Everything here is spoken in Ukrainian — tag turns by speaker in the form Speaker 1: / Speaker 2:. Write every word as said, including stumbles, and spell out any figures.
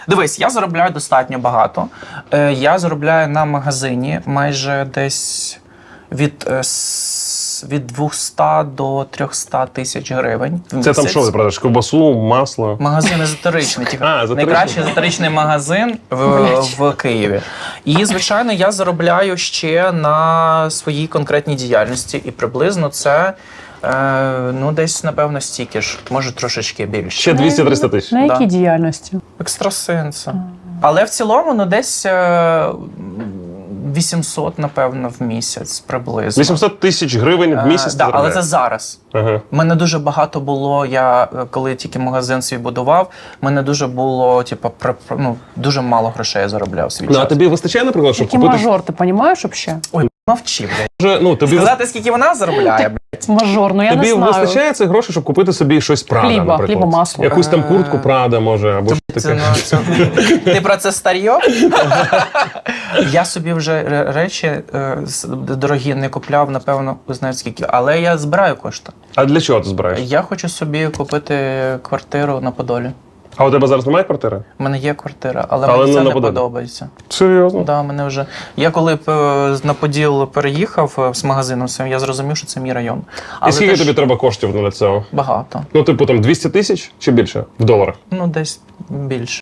Speaker 1: Дивись, я заробляю достатньо багато. Е, Я заробляю на магазині майже десь від, е, с- від двохсот до трьохсот тисяч гривень. в
Speaker 2: Це
Speaker 1: місяць.
Speaker 2: там що ти продаєш? Ковбасу, масло?
Speaker 1: Магазин езотеричний. тільки
Speaker 2: А, езотеричний.
Speaker 1: Найкращий езотеричний магазин в, в Києві. І, звичайно, я заробляю ще на своїй конкретній діяльності. І приблизно це, е, ну, десь, напевно, стільки ж, може трошечки більше.
Speaker 2: Ще двісті-триста тисяч.
Speaker 3: На якій
Speaker 1: Да.
Speaker 3: діяльності?
Speaker 1: Екстрасенса. Але в цілому, ну, десь е, вісімсот, напевно, в місяць приблизно.
Speaker 2: вісімсот тисяч гривень в місяць.
Speaker 1: Е, да,
Speaker 2: ти
Speaker 1: але це
Speaker 2: заробляєш?
Speaker 1: зараз.
Speaker 2: Ага.
Speaker 1: У мене дуже багато було, я е, коли тільки магазин свій будував, в мене дуже було, типу, при- при- ну, дуже мало грошей я заробляв в свій
Speaker 2: Ну, а
Speaker 1: час.
Speaker 2: тобі вистачає, наприклад, щоб
Speaker 3: Який
Speaker 2: купити...
Speaker 3: мажор, ти розумієш взагалі?
Speaker 1: Ой, мовчи, блядь.
Speaker 2: Вже, ну, тобі
Speaker 1: Сказати, скільки вона заробляє, блядь.
Speaker 3: Мажор, ну я
Speaker 2: Тобі
Speaker 3: не знаю.
Speaker 2: вистачає цих грошей, щоб купити собі щось Прада,
Speaker 3: Хліба,
Speaker 2: наприклад?
Speaker 3: хліба, масло.
Speaker 2: Якусь там куртку Прада, може, або що
Speaker 1: Це,
Speaker 2: таке.
Speaker 1: ну, це... Ти про це старьо? Я собі вже ре- речі е, с- дорогі не купляв, напевно, ви знаєте скільки, але я збираю кошти.
Speaker 2: А для чого ти збираєш?
Speaker 1: Я хочу собі купити квартиру на Подолі.
Speaker 2: А у тебе зараз немає квартири?
Speaker 1: У мене є квартира, але,
Speaker 2: Але
Speaker 1: мені
Speaker 2: не
Speaker 1: це
Speaker 2: на
Speaker 1: не
Speaker 2: Подолі?
Speaker 1: подобається.
Speaker 2: Серйозно?
Speaker 1: Да, мене вже... Я коли б, е, на Поділ переїхав е, з магазином, своїм, я зрозумів, що це мій район.
Speaker 2: І скільки
Speaker 1: теж
Speaker 2: тобі треба коштів для цього?
Speaker 1: багато.
Speaker 2: Ну, типу, там двісті тисяч чи більше? В доларах?
Speaker 1: Ну, десь більше.